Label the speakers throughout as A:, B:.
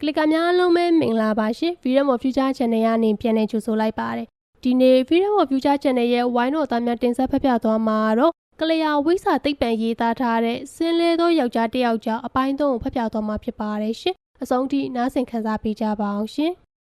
A: ကလစ်ကများလုံးပဲမင်္ဂလာပါရှင် Freedom of Future Channel ကနေပြန်လည်ကြိုဆိုလိုက်ပါတယ်ဒီနေ့ Freedom of Future Channel ရဲ့ဝိုင်းတော်သားများတင်ဆက်ဖတ်ပြသွားမှာတော့ကလျာဝိစာသိပ္ပံရေးသားထားတဲ့စင်းလဲသောယောက်ျားတစ်ယောက်အပိုင်းသုံးကိုဖတ်ပြသွားမှာဖြစ်ပါတယ်ရှင်အဆုံးထိနားဆင်ခံစားပေးကြပါအောင်ရှင်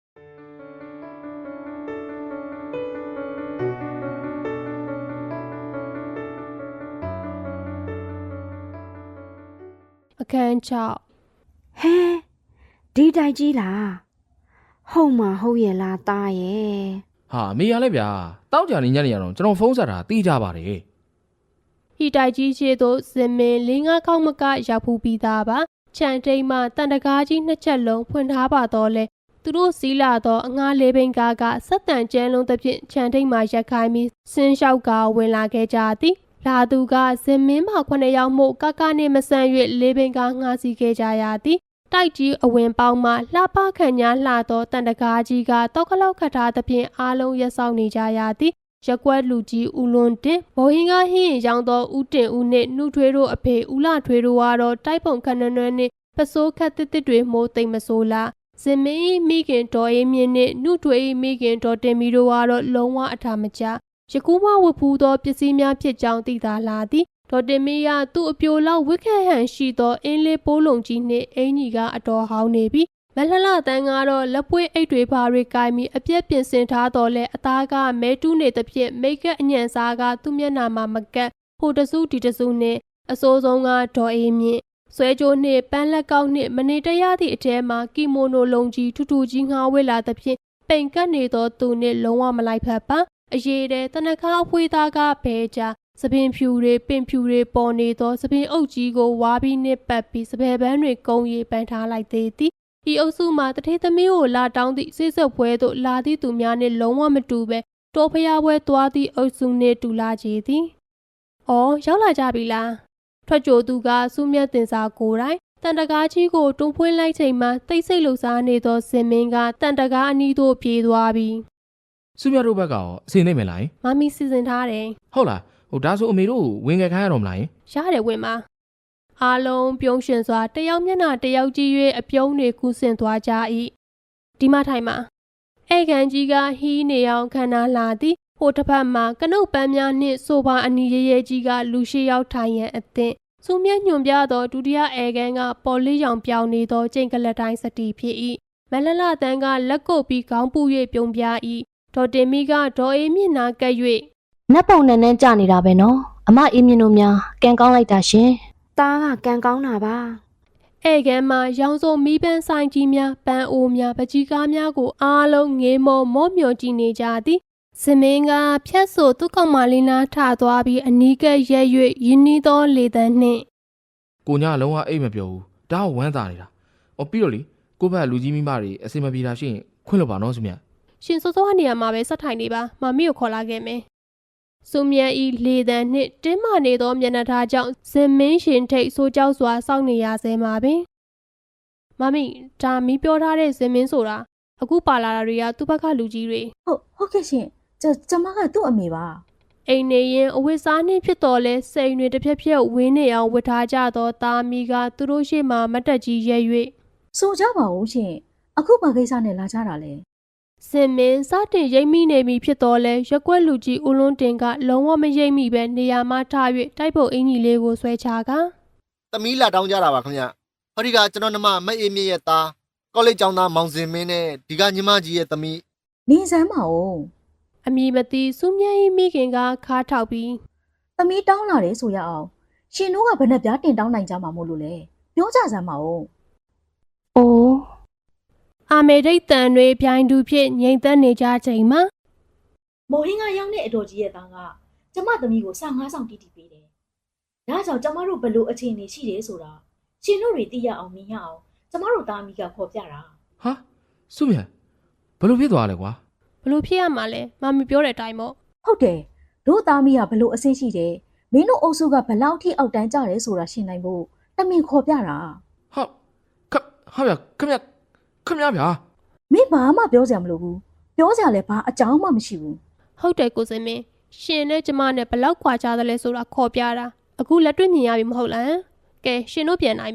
A: အခန်း6
B: ဟဲဒီတိုက်ကြီးလားဟုတ်မှာဟုတ်ရဲ့လားသားရဲ့
C: ဟာမေရလဲဗျာတောက်ကြနေညနေရတော့ကျွန်တော်ဖုန်းဆက်တာတီးကြပါတယ်
A: ဟီတိုက်ကြီးရှိသို့စင်မင်း၄-၅ခေါက်မကရောက်ဖူးပြီးသားပါခြံထိန်မှတန်တကားကြီးနှစ်ချက်လုံးဖွင့်ထားပါတော့လဲသူတို့စီးလာတော့အငှားလေးဘိန်းကားကဆက်တန်ကျန်းလုံးသဖြင့်ခြံထိန်မှရက်ခိုင်းပြီးဆင်းလျှောက်ကဝင်လာခဲ့ကြသည်လာသူကစင်မင်းမှ9ယောက်မို့ကနဲ့မဆန့်၍လေးဘိန်းကားငှားစီခဲ့ကြရသည်တိုက်ကြီးအဝင်ပေါင်းမှလှပခန့်ညာလှသောတန်တကားကြီးကတောက်ခလောက်ခတ်ထားသဖြင့်အားလုံးရက်ဆောင်နေကြရသည်ရက်ကွက်လူကြီးဦးလွန်တင်ဘော်ဟင်းကားဟင်းရင်ရောင်းသောဦးတင်ဦးနှင့်နှုတ်ထွေးတို့အဖေဦးလာထွေးတို့ကတော့တိုက်ပုံခဏနွဲ့နှင့်ပစိုးခတ်တစ်တစ်တွေမိုးသိမ့်မဆိုးလားစင်မင်းမိခင်တော်အေးမြင့်နှင့်နှုတ်ထွေးမိခင်တော်တင်မီတို့ကတော့လုံးဝအထာမကျယခုမှဝတ်ဖူးသောပစ္စည်းများဖြစ်ကြောင်းသိသာလာသည်ဒေါ်တင်မီကသူ့အပြိုလောက်ဝစ်ခက်ဟန်ရှိသောအင်းလေးပိုးလုံးကြီးနှင့်အင်ကြီးကအတော်ဟောင်းနေပြီမလှလှတန်းကတော့လက်ပွေးအိတ်တွေဘာတွေကိုင်ပြီးအပြက်ပြင်ဆင်ထားတော့လဲအသားကမဲတူးနေသဖြင့်မိတ်ကပ်အညံစားကသူ့မျက်နှာမှာမကက်ဟိုတစုဒီတစုနှင့်အစိုးဆုံးကဒေါ်အေးမြင့်ဆွဲကြိုးနှင့်ပန်းလက်ကောက်နှင့်မနေတရသည့်အထဲမှာကီမိုနိုလုံးကြီးထူထူကြီးငှားဝဲလာသဖြင့်ပိန်ကပ်နေသောသူနှင့်လုံးဝမလိုက်ဖက်ပါအရေးတဲ့တနခါအဖွေးသားကဘဲကြစပင်ဖြူတွေပင်ဖြူတွေပေါ်နေသောစပင်အုပ်ကြီးကိုဝါပြီးနှင့်ပတ်ပြီးစပယ်ပန်းတွေကုန်းရေးပန်းထားလိုက်သေးသည်ဤအုပ်စုမှာတထေးသမီးကိုလာတောင်းသည့်စိတ်ဆက်ပွဲသို့လာသည့်သူများနှင့်လုံးဝမတူပဲတော်ဖျားပွဲသွားသည့်အုပ်စုနှင့်တူလာကြသည်။အော်ရောက်လာကြပြီလား။ထွက်ကြိုသူကစူးမြတ်တင်စာကိုယ်တိုင်တန်တကားကြီးကိုတွန်းဖွင့်လိုက်ချိန်မှာတိတ်ဆိတ်လှစားနေသောစင်မင်းကတန်တကားအနီးသို့ပြေးသွားပြီ
C: ။စုမြတ်တို့ဘက်ကရောအစင်းသိမ့်မယ်လား
A: ။မမီစီစဉ်ထားတယ်
C: ။ဟုတ်လား။ဟိုဒါဆိုအမေတို့ဝင်ခဲ့ခိုင်းရတော့မလား
A: ။ရတယ်ဝင်ပါ။အားလုံးပြုံးရှင်စွာတယောက်မျက်နှာတယောက်ကြည့်၍အပြုံးတွေကူးဆင်သွားကြ၏ဒီမထိုင်မှာဧကန်ကြီးကဟီးနေအောင်ခန္ဓာလာသည်ဟိုတစ်ဖက်မှာကနုတ်ပန်းများနှင့်ဆိုပါအနီရဲရဲကြီးကလူရှိရောက်ထိုင်ရန်အသင့်စူးမြတ်ညွန်ပြသောဒုတိယဧကန်ကပေါ်လေးရောင်ပြောင်နေသောကျိန်ကလတ်တိုင်းစတီဖြစ်၏မလလတန်းကလက်ကုပ်ပြီးခေါင်းပူ၍ပြုံးပြ၏ဒေါ်တင်မီကဒေါ်အေးမြင့်နာကပ်၍
D: နတ်ပုံနဲ့ကြနေတာပဲနော်အမအေးမြင့်တို့များကန်ကောင်းလိုက်တာရှင်
B: သားကကန်ကောင်းတာပါ
A: ဧကန်မှာရောင်စုံမီးပန်းဆိုင်ကြီးများပန်းအိုးများပကြီးကားများကိုအားလုံးငေးမောမျောကြည့်နေကြသည်စမင်းကဖြတ်ဆိုသူ့ကောင်မလေးနာထသွားပြီးအနီးကပ်ရက်၍ရင်းနှီးသောလေတန်းနှင့်
C: ကိုညလုံးဝအိတ်မပြောဘူးဒါကဝမ်းသာနေတာပြီးတော့လေကိုဘက်လူကြီးမိမတွေအစင်မပြေတာရှိရင်ခွင့်လို့ပါနော်စုမြတ်
A: ရှင်စိုးစိုးကနေရာမှာပဲဆက်ထိုင်နေပါမမီကိုခေါ်လာခဲ့မယ်စုမြတ်ဤလေတန်းနှင့်တင်းမာနေသောမျက်နှာထားကြောင့်ဇင်မင်းရှင်ထိတ်ဆိုးကြောက်စွာစောင့်နေရဆဲမှာပင်မမီဒါမီပြောထားတဲ့ဇင်မင်းဆိုတာအခုပါလာတာတွေကသူ့ဘက်ကလူကြီးတွေ
E: ဟုတ်ကဲ့ရှင်ကျမကသူ့အမေပါ
A: အိမ်နေရင်အဝတ်စားနှင့်ဖြစ်တော်လဲစိန်တွေတစ်ဖြက်ဖြက်ဝင်းနေအောင်ဝတ်ထားကြသောသားမီကသူတို့ရှေ့မှာမတက်ကြီးရဲ၍
E: ဆိုကြပါဦးရှင်အခုဘာကိစ္စနဲ့လာကြတာလဲ
A: စင်မင်းစတင်ရိပ်မိနေပြီဖြစ်တော်လဲရက်ွက်လူကြီးဦးလွန်းတင်ကလုံးဝမရိပ်မိပဲနေရာမှထား၍တိုက်ပုတ်အင်ကြီးလေးကိုဆွဲချက
F: သမီးလာတောင်းကြတာပါခင်ဗျဟောဒီကကျွန်တော်နှမမအေးမြင့်ရဲ့သားကောလိပ်ကျောင်းသားမောင်စင်မင်းနဲ့ဒီကညီမကြီးရဲ့သမီး
E: နေစမ်းပါဦး
A: အမည်မသိစူးမြတ်မိခင်ကခါထောက်ပြီး
E: သမီးတောင်းလာတယ်ဆိုရအောင်ရှင်တို့ကဘယ်နဲ့ပြားတင်တောင်းနိုင်ကြမှာမို့လို့လဲပြောကြစမ်းပါဦး
D: အိုး
A: အာမေဒိတ်တန်တွေပြိုင်တူဖြစ်ငြိမ်သက်နေကြချိန်မှာ
E: မော်ဟင်းကရောက်တဲ့အတော်ကြီးရဲ့သားကကျမသမီးကိုစာငါးဆောင်တီးတီးပေးတယ်။ဒါကြောင့်ကျမတို့ဘလို့အခြေအနေရှိတယ်ဆိုတာရှင်တို့တွေသိရအောင်မြင်ရအောင်ကျမတို့သားအမိကခေါ်ပြတာ
C: ။ဟာစုမြတ်ဘလို့ဖြစ်သွားလဲကွာ
A: ။ဘလို့ဖြစ်ရမှာလဲမမပြောတဲ့အတိုင်းပေါ့
E: ။ဟုတ်တယ်တို့သားမိကဘလို့အဆင်ရှိတယ်မင်းတို့အုပ်စုကဘလောက်ထိအောက်တန်းကြတယ်ဆိုတာရှင်းနိုင်ဖို့တမင်ခေါ်ပြတာ
C: ။ဟာဗျခမဗျာ
E: မင်းဘာမှပြောစရာမလိုဘူးပြောစရာလည်းဘာအကြောင်းမှမရှိဘူး
A: ဟုတ်တယ်ကိုစင်မင်းရှင်နဲ့ကျမနဲ့ဘလောက်ခွာကြသလဲဆိုတာခေါ်ပြတာအခုလက်တွေ့မြင်ရပြီမဟုတ်လားကဲရှင်တို့ပြန်နိုင်ပြီ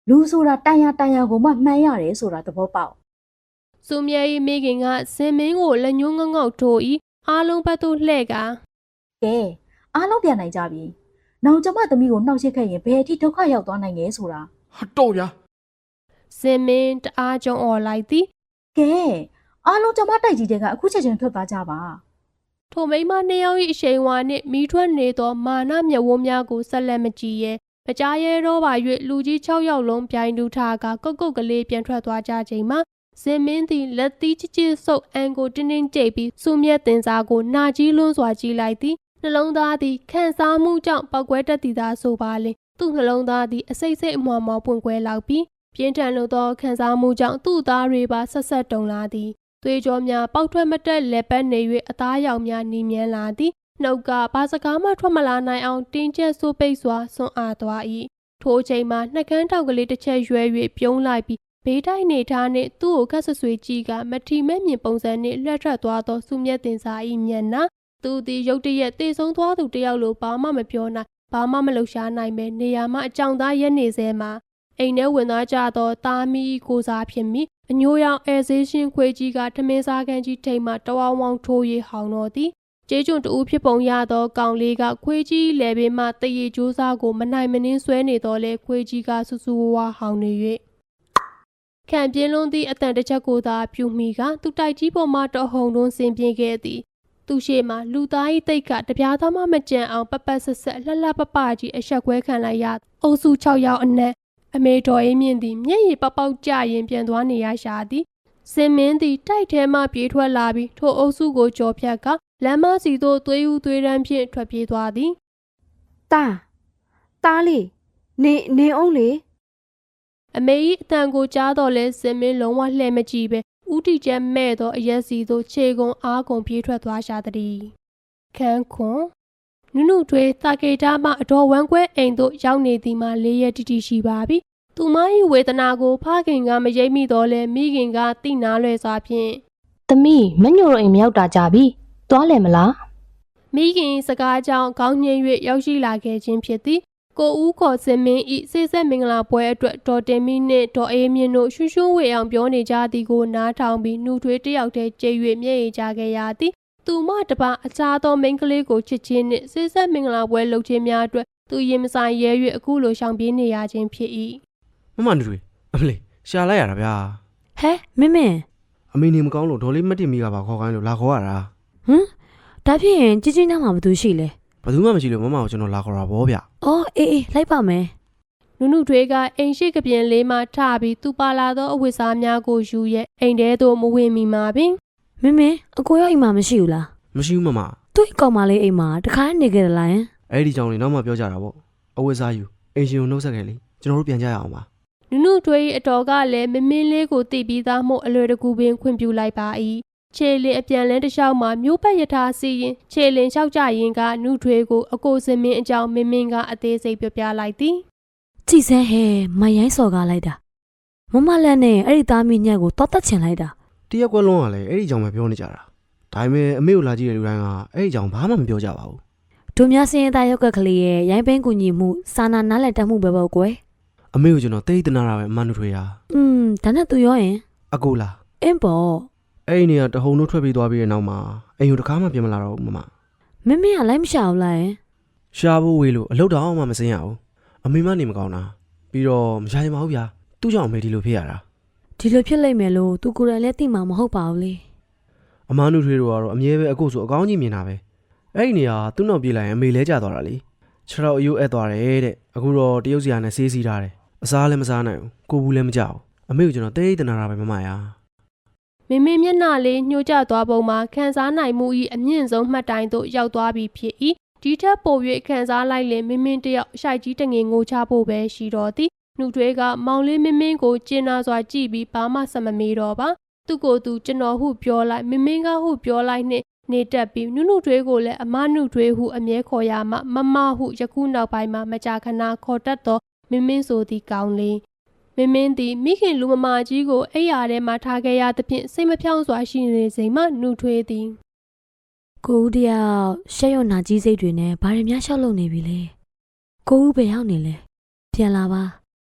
E: လူဆိုတာတန်ရကိုမှမှန်းရတယ်ဆိုတာသဘောပေါက်
A: စုမြဲ၏မိခင်ကစင်မင်းကိုလက်ညှိုးငေါငေါထိုး၏အားလုံးဘက်သို့လှဲ့က
E: ကဲအားလုံးပြန်နိုင်ကြပြီနောက်ကျမသမီးကိုနှောက်ရှက်ခဲ့ရင်ဘယ်အထိဒုက္ခရောက်သွားနိုင်လဲဆိုတာ
C: ဟာတော့ဗျာ
A: စင်မင်းတအားကြုံអော်လိုက်သည်
E: ကဲအားလုံးကျမတိုက်ကြီးတဲ့ကအခုချက်ချင်းထွက်သွားကြပါ
A: ထိုမိန်းမနှစ်ယောက်၏အရှိန်ဝါနှင့်မိထွက်နေသောမာနမျက်ဝန်းများကိုဆက်လက်မကြည့်ရဲမကြားရဲတော့ပါ၍လူကြီး6ယောက်လုံးပြိုင်တူထားကကုတ်ကုတ်ကလေးပြန်ထွက်သွားကြချိန်မှာစင်မင်းသည်လက်သီးချစ်ချစ်ဆုပ်အန်ကိုတင်းတင်းကြိတ်ပြီးစုမြတ်တင်စားကိုနာကြီးလွန်းစွာကြည့်လိုက်သည်နှလုံးသားသည်ခံစားမှုကြောင့်ပောက်ကွဲတတ်သည်သာဆိုပါလေသူ့နှလုံးသားသည်အစိတ်စိတ်အမွှာမောပွင့်ကွဲလောက်ပြီးပြင်းထန်လို့သောခံစားမှုကြောင့်သူ့သားတွေပါဆက်ဆက်တုန်လာသည်သွေးကြောများပေါက်ထွက်မတက်လက်ပတ်နေ၍အသားရောင်များနီမြန်းလာသည်နှုတ်ကဘာစကားမှထွက်မလာနိုင်အောင်တင်းကျပ်ဆိုးပိတ်စွာဆွန့်အားသွား၏ထိုအချိန်မှာနှကန်းထောက်ကလေးတစ်ချက်ရွဲ၍ပြုံးလိုက်ပြီးဘေးတိုက်နေထားနှင့်သူ့ကိုခက်ဆွဆွေကြည့်ကမထီမဲ့မြင်ပုံစံနှင့်လှက်ထွက်သွားသောစုမြတ်တင်စာ၏မျက်နှာသူသည်ရုတ်တရက်တေဆုံးသွားသူတယောက်လိုဘာမှမပြောနိုင်ဘာမှမလှုပ်ရှားနိုင်ပဲနေရာမှအကြောင်သားရက်နေစေမှာအိမ်ထဲဝင်သွားကြသောသားမီးကိုစားဖြစ်မိအညိုရောင်အဲဇေးရှင်ခွေကြီးကထမင်းစားခန်းကြီးထိပ်မှတဝောင်းဝောင်းထိုး၍ဟောင်းတော်သည်ကျေးကျွန်တူဖြစ်ပုံရသောကောင်လေးကခွေးကြီးလဲဘေးမှတရေကြိုးစားကိုမနိုင်မနှင်းဆွဲနေတော့လဲခွေးကြီးကဆူဆူဝါးဝါဟောင်းနေ၍ခံပြင်းလွန်းသည့်အတန်တစ်ချက်ကိုသာပြူမိကသူတိုက်ကြီးပေါ်မှတဟုန်တွန်းဆင်းပြေးခဲ့သည်သူရှိမှလူသား၏တိတ်ကတပြားသားမှမကြံအောင်ပပတ်ဆက်ဆက်လှလှပပကြီးအဆက်ခွဲခံလိုက်ရအုပ်စု6ယောက်အနက်အမေတော်အေးမြင့်သည်မျက်ရည်ပေါက်ပေါက်ကျရင်ပြန်သွားနေရရှာသည်စင်မင်းသည်တိုက်ထဲမှပြေးထွက်လာပြီးထိုအုပ်စုကိုကြော်ဖြတ်ကလမ်းမစီသို့သွေးဦးသွေးရမ်းဖြင့်ထွက်ပြေးသွားသည်
B: တားလေးနေအောင်လေ
A: အမေ၏အတန်ကိုကြားတော့လဲစင်မင်းလုံးဝလှဲ့မကြည့်ပဲဥတီကျဲမဲ့သောအရက်စီသို့ခြေကုံအားကုံပြေးထွက်သွားရှာသည်ခန်းခွန်နုနုထွေးတာကေတာမှအတော်ဝမ်းကွဲအိမ်သို့ရောက်နေသည်မှ၄ရက်တိတိရှိပါပြီသူမ၏ဝေဒနာကိုဖခင်ကမရိပ်မိတော့လဲမိခင်ကတိနာလွယ်စွာဖြင့်
D: သမီးမညိုတို့အိမ်မရောက်တာကြပြီသွားလဲမလား
A: မိခင်စကားကြောင့်ခေါင်းငိမ့်၍ရောက်ရှိလာခဲ့ခြင်းဖြစ်သည်ကိုဦးခေါ်စင်မင်းဤစေဆက်မင်္ဂလာပွဲအတွက်ဒေါ်တင်မီနှင့်ဒေါ်အေးမြင့်တို့ရွှွှွှွဝေအောင်ပြောနေကြသည်ကိုနားထောင်ပြီးနှုတ်ထွေးတယောက်တည်းကြိတ်၍မျက်ရည်ကျခဲ့ရသည်သူမတပါအခြားသောမိန်းကလေးကိုချစ်ချင်းနှင့်စေဆက်မင်္ဂလာပွဲလုပ်ခြင်းများအတွက်သူရင်မဆိုင်ရဲ၍အခုလိုရှောင်ပြေးနေရခြင်းဖြစ်၏
G: မမနူတွေအမလေးရှာလိုက်ရတာဗျာ
H: ဟဲမင်း
G: အမေနေမကောင်းလို့ဒေါ်လေးမတင်မိကပါခေါ်ခိုင်းလို့လာခေါ်ရတာ
H: ဟမ်ဒါဖြစ်ရင်ကြီးကြီးနားမှာဘာသူရှိလဲ
G: ဘယ်သူမှမရှိလို့မမကိုကျွန်တော်လာခေါ်တာဗောဗျ
H: အော်အေးလိုက်ပါမယ်
A: နုနုထွေးကအိမ်ရှိကပြင်လေးမှထပြီးသူပါလာသောအဝတ်စားများကိုယူရဲ့အိမ်ထဲသို့မဝင်မီမှာပင်
H: မင်းအကိုရောက်အိမ်မှာမရှိဘူးလား
G: မရှိဘူးမမ
H: သူ့အကောင်မလေးအိမ်မှာတခါနေကြတယ်လား
G: အဲ့ဒီကြောင့်လေနောက်မှပြောကြတာဗောအဝတ်စားယူအင်ရှင်ကိုနှုတ်ဆက်ခဲ့လေကျွန်တော်တို့ပြန်ကြရအောင်ပါ
A: နုနုထွေး၏အတော်ကလည်းမင်းလေးကိုတိပြီးသားမို့အလွယ်တကူပင်ခွင့်ပြုလိုက်ပါ၏ခြေလင်အပြန်လန်းတစ်လျှောက်မှာမျိုးပတ်ရထားစီရင်ခြေလင်လျှောက်ကြရင်ကနုထွေးကိုအကိုစင်မင်းအကြောင်းမင်းကအသေးစိတ်ပြောပြလိုက်သည်
H: ကြည်စမ်းဟဲမရိုင်းစော်ကားလိုက်တာမလက်နဲ့အဲ့ဒီသားမင်းညက်ကိုတောက်တက်ချင်လိုက်တာ
G: တရက်ကွက်လုံးကလည်းအဲ့ဒီကြောင့်ပဲပြောနေကြတာဒါပေမဲ့အမေကိုလာကြည့်တဲ့လူတိုင်းကအဲ့ဒီကြောင့်ဘာမှမပြောကြပါဘူး
H: တို့များစင်းသားရောက်ကကလေးရဲ့ရိုင်းပင်းကူညီမှုစာနာနားလည်တတ်မှုပဲပေါ့ကွယ်
G: အမေကိုကျွန်တော်တိတ်တနာတာပဲအမနူထွေးဟာ
H: ဒါနဲ့သူရောရင်
G: အကိုလား
H: အင်းပေါ့
G: အဲ့ဒီနေရာတဟုန်တို့ထွက်ပြေးသွားပြီးတဲ့နောက်မှာအိမ်ကိုတစ်ခါမှပြန်မလာတော့ဘူးမမ
H: မင်းကလိုက်မရှာဘူးလား
G: ရှာဖို့ဝေးလို့အလုပ်တော့မှမစင်းရဘူးအမေမနေမကောင်းတာပြီးတော့မရရင်မဟုတ်ဗျာသူ့ကြောင့်အမေဒီလိုဖြစ်ရတာ
H: ဒီလိုဖြစ်လိမ့်မယ်လို့သူကိုယ်တိုင်လည်းသိမှာမဟုတ်ပါဘူးလေ
G: အမနုထွေးတို့ကတော့အမြဲပဲအကိုဆိုအကောင်းကြီးမြင်တာပဲအဲ့ဒီနေရာသူ့နောက်ပြေးလိုက်ရင်အမေလဲကျသွားတာလေခြေတော့အယိုးအဲ့သွားတယ်တဲ့အခုတော့တရုတ်စီယာနဲ့ဆေးစီးထားတယ်အစားလည်းမစားနိုင်ဘူးကိုဘူးလည်းမကြောက်အမေကိုကျွန်တော်တိတ်တနာတာပဲမမယာ
A: မင်းမျက်နှာလေးညှို့ကျသွားပုံမှာခံစားနိုင်မှု၏အမြင့်ဆုံးမှတ်တိုင်သို့ရောက်သွားပြီဖြစ်၏ဒီထက်ပို၍ခံစားလိုက်လင်မင်းတယောက်ရှိုက်ကြီးတငယ်ငိုချဖို့ပဲရှိတော်သည်နှုတ်ထွေးကမောင်လေးမင်းကိုကျင်နာစွာကြည့်ပြီးဘာမှဆက်မမေးတော့ပါသူကိုယ်သူကျွန်တော်ဟုပြောလိုက်မင်းကဟုပြောလိုက်နှင့်နေတက်ပြီးနုနုထွေးကိုလည်းအမနုထွေးဟုအမြဲခေါ်ရမှမဟုယခုနောက်ပိုင်းမှာမကြာခဏခေါ်တတ်သောမင်းဆိုသည့်ကောင်းလေးမင်းသည်မိခင်လူမမာကြီးကိုအိယာထဲမှထားခဲ့ရသဖြင့်စိတ်မဖြောင့်စွာရှိနေစဉ်မှနှုတ်ထွေးသည်
H: ကိုဦးတယောက်ရှက်ရွံ့နာကြီးစိတ်တွေနဲ့ဘာတွေများရှောက်လုံနေပြီလဲကိုဦးပဲရောက်နေလဲပြန်လာပါ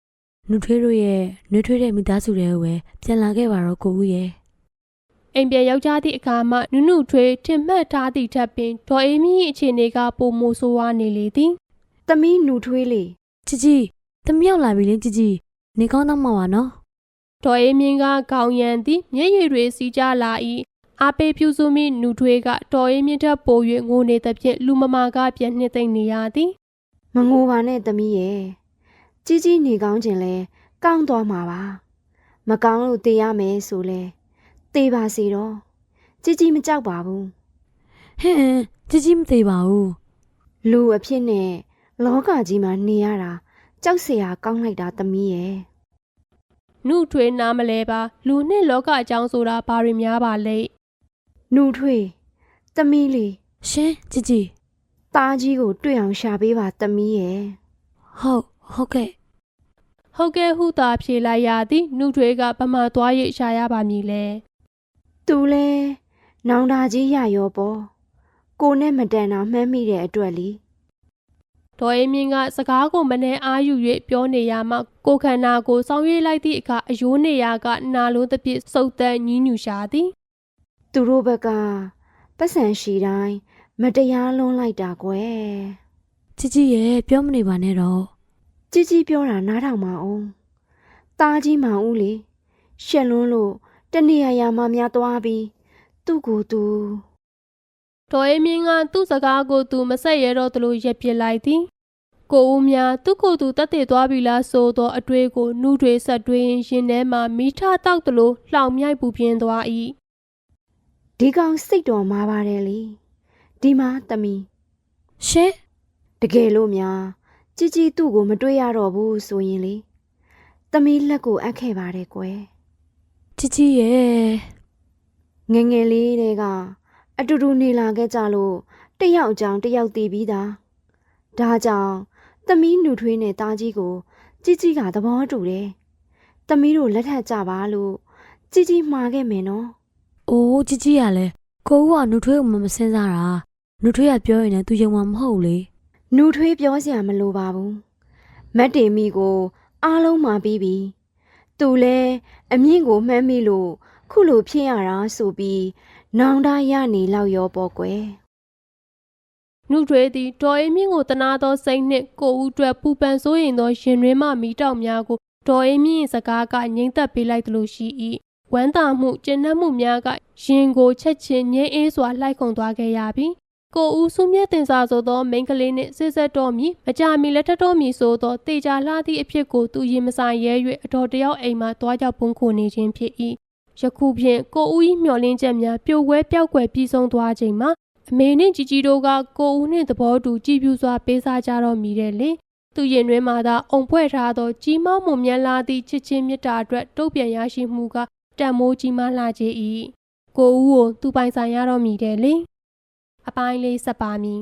H: နှုတ်ထွေးတို့ရဲ့နှွေးထွေးတဲ့မိသားစုတွေကိုပဲပြန်လာခဲ့ပါတော့ကိုဦးရဲ့
A: အိမ်ပြန်ယောက်ျားသည့်အခါမှနုနုထွေးထင်မှတ်ထားသည့်ထက်ပင်ဒေါ်အေးမြင့်၏အခြေအနေကပိုမိုဆိုးဝါးနေလေသည်
B: သမီးနှူထွေးလေ
H: ជីသမီးရောက်လာပြီလေជីနေကောင်းတော့မှာပါနော်
A: ဒေါ်အေးမြင့်ကခေါင်းရံသည်မျက်ရည်တွေစီးကြလာ၏အားပေးပြုစုမိနုထွေးကဒေါ်အေးမြင့်ထက်ပို၍ငိုနေသဖြင့်လူမမာကပြန်နှစ်သိမ့်နေရသည်
B: မငိုပါနဲ့သမီးရဲ့ကြီးနေကောင်းခြင်းလဲကောင်းသွားမှာပါမကောင်းလို့တေးရမယ်ဆိုလဲတေးပါစေတော့ကြီးမကြောက်ပါဘူး
H: ဟင်းជីမသေးပါဘူး
B: လူအဖြစ်နဲ့လောကကြီးမှာနေရတာကြောက်เสียကောင်းလိုက်တာသမီးရဲ့
A: နုထွေးနားမလဲပါလူနှင့်လောကအကြောင်းဆိုတာဘာတွေများပါလဲ
B: နှူထွေးသမီးလေး
H: ရှင်ជី
B: သားကြီးကိုတွေ့အောင်ရှာပေးပါသမီးရဲ့
H: ဟုတ်ကဲ့
A: ဟုတ်ကဲ့ဟုသာဖြေလိုက်ရသည်နုထွေးကဗမာသွား၍ရှာရပါမည်လဲ
B: သူလဲနောင်တာကြီးရရောပေါ့ကိုနဲ့မတန်တာမှန်းမိတဲ့အတွက်လी
A: ဒေါ်အေးမြင့်ကစကားကိုမနှဲအားယူ၍ပြောနေရမှကိုခန္ဓာကိုစောင်းရွေးလိုက်သည့်အခါအယိုးနေရာကနာလုံးတစ်ပြည့်စုပ်တန်းညင်းညူရှာသည်
B: သူတို့ဘက်ကပတ်စံရှိတိုင်းမတရားလွန်လိုက်တာကွယ်
H: ជីရဲ့ပြောမနေပါနဲ့တော့
B: ကြီးပြောတာနားထောင်ပါအောင်သားကြီးမောင်ဦးလေရှက်လွန်းလို့တနေရာမှာများသွားပြီးသူ့ကိုယ်သူ
A: ဒေါ်အေးမြင့်ကသူ့စကားကိုသူမဆက်ရတော့သလိုရက်ပစ်လိုက်သည်ကိုဦးများသူ့ကိုယ်သူတတ်သိသွားပြီလားဆိုသောအတွေ့ကိုနှူးထွေးဆက်တွင်းရင်ထဲမှမိထတောက်သလိုလှောင်မြိုက်ပူပြင်းသွား၏
B: ဒီကောင်စိတ်တော်မှာပါတယ်လေဒီမှာသမီး
H: ရှင်
B: တကယ်လို့များကြီးသူ့ကိုမတွေ့ရတော့ဘူးဆိုရင်လေသမီးလက်ကိုအပ်ခဲ့ပါတယ်ကွယ်
H: ជីရဲ့
B: ငယ်ငယ်လေးတဲကအတူတူနေလာခဲ့ကြလို့တယောက်အကြောင်းတယောက်တည်ပြီးသားဒါကြောင့်သမီးနှူထွေးနဲ့သားကြီးကိုကြီးကသဘောတူတယ်သမီးတို့လက်ထပ်ကြပါလို့ကြီးမှားခဲ့မယ်နော်
H: အိုးជីရလဲကိုဦးကနှုတ်ထွေးကိုမစင်းစားတာနှုတ်ထွေးကပြောရင်လည်းသူယုံမှာမဟုတ်လေ
B: နှူထွေးပြောစရာမလိုပါဘူးမတ်တေမီကိုအားလုံးမှာပြီးပြီသူလဲအမြင့်ကိုမှန်းမိလို့ခုလိုဖြစ်ရတာဆိုပြီးနောင်တရနေလောက်ရောပေါ့ကွယ်
A: နှုတ်ထွေးသည်ဒေါ်အေးမြင့်ကိုတနာသောစိတ်နှင့်ကိုဦးအတွက်ပူပန်စိုးရိမ်သောရင်တွင်မှမိတောက်များကိုဒေါ်အေးမြင့်၏စကားကငြိမ်သက်ပေးလိုက်သလိုရှိ၏ဝမ်းသာမှုကျဉ်နှံ့မှုများကရင်ကိုချက်ချင်းငြိမ်းအေးစွာလှိုက်ခုန်သွားခဲ့ရပြီကိုဦးစုမြတ်တင်စာဆိုသောမိန်းကလေးနှင့်စစ်ဆက်တော်မီမကြမီလက်ထပ်တော်မီဆိုသောတေချာလှသည့်အဖြစ်ကိုသူရင်မဆိုင်ရဲ၍အတော်တယောက်အိမ်မှတွားရောက်ပုန်းခိုနေခြင်းဖြစ်၏ယခုဖြင့်ကိုဦး၏မျှော်လင့်ချက်များပြိုကွဲပျောက်ကွယ်ပြီးဆုံးသွားချိန်မှာအမေနှင့်ជីတို့ကကိုဦးနှင့်သဘောတူကြည်ပြူစွာပေးစားကြတော့မိတယ်လေသူရင်တွင်မှသာအုံဖွဲ့ထားသောကြီးမောင်းမွန်မြတ်လာသည့်ချစ်ချင်းမေတ္တာအတွက်တုတ်ပြန်ရရှိမှုကတန်မိုးကြီးမားလာခြင်း၏ကိုဦးကိုသူပိုင်ဆိုင်ရတော့မိတယ်လေအပိုင်းလေးဆက်ပါမည်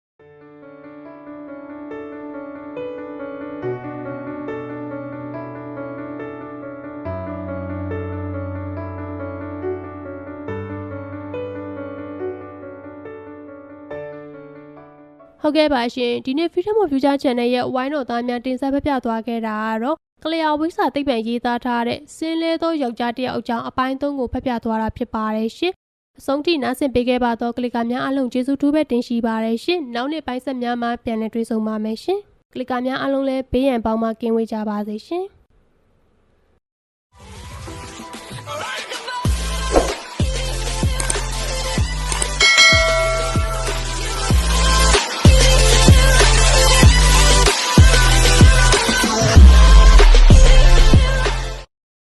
A: ဟုတ်ကဲ့ပါရှင်ဒီနေ့ Freedom of Future Channel ရဲ့ဝိုင်းတော်သားများတင်ဆက်ပြသွားခဲ့တာကတော့ကလျာဝိစာသိပ္ပံရေးသားထားတဲ့စင်းလဲသောယောက်ျားတစ်ယောက်အကြောင်းအပိုင်း3ကိုဖတ်ပြသွားတာဖြစ်ပါတယ်ရှင်အဆုံးထိနားဆင်ပေးခဲ့ပါတော့ကလစ်ကာများအားလုံးကျေးဇူးတူပဲတင်ရှိပါတယ်ရှင်နောက်နေ့ပိုင်းဆက်များမှာပြန်လည်တွေ့ဆုံပါမယ်ရှင်ကလစ်ကာများအားလုံးလည်းဘေးရန်ပေါင်းမှကင်းဝေးကြပါစေရှင်